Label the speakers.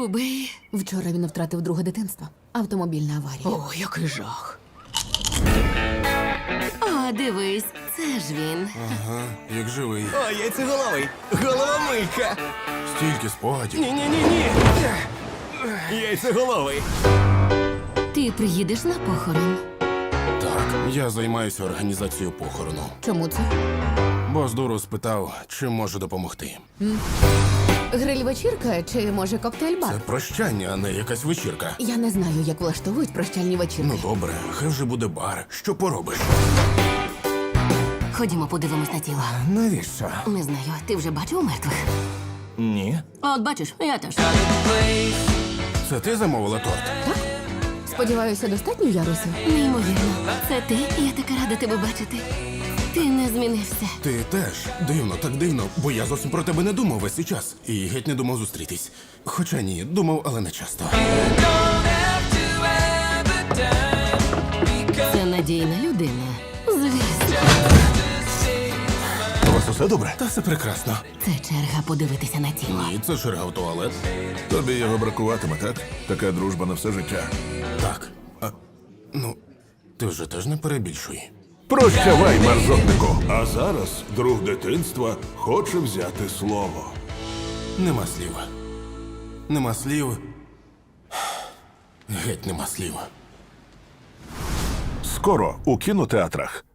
Speaker 1: Любий.
Speaker 2: Вчора він втратив друге дитинство. Автомобільна аварія.
Speaker 1: О, який жах. О, дивись, це ж він.
Speaker 3: Ага, як живий.
Speaker 4: О, яйцеголовий! Головомийка!
Speaker 3: Стільки спогадів.
Speaker 4: Ні-ні-ні-ні! Яйцеголовий!
Speaker 1: Ти приїдеш на похорон?
Speaker 3: Так, я займаюся організацією похорону.
Speaker 2: Чому це?
Speaker 3: Бос дуру спитав, чим можу допомогти.
Speaker 2: Гриль-вечірка чи, може, коктейль-бар?
Speaker 3: Це прощання, а не якась вечірка.
Speaker 2: Я не знаю, як влаштовують прощальні вечірки.
Speaker 3: Ну добре, хай вже буде бар. Що поробиш?
Speaker 1: Ходімо, подивимось на тіло.
Speaker 4: Навіщо?
Speaker 1: Не знаю, ти вже бачив мертвих?
Speaker 4: Ні.
Speaker 1: От бачиш, я теж.
Speaker 3: Це ти замовила торт?
Speaker 2: Сподіваюся, достатньо ярусів?
Speaker 1: Неймовірно. Це ти? Я така рада тебе бачити. Ти не змінився.
Speaker 3: Ти теж. Дивно, так дивно, бо я зовсім про тебе не думав весь цей час. І геть не думав зустрітись. Хоча ні, думав, але не часто.
Speaker 1: Це надійна людина. Звісно.
Speaker 4: У вас усе добре?
Speaker 3: Та все прекрасно.
Speaker 1: Це черга подивитися на тіло.
Speaker 3: Ні, це черга в туалет.
Speaker 5: Тобі його бракуватиме, так? Така дружба на все життя.
Speaker 3: Так. Ну, ти вже теж не перебільшуй.
Speaker 5: Прощавай, мерзотнику! А зараз друг дитинства хоче взяти слово.
Speaker 3: Нема слів. Нема слів. Геть нема слів.
Speaker 5: Скоро у кінотеатрах.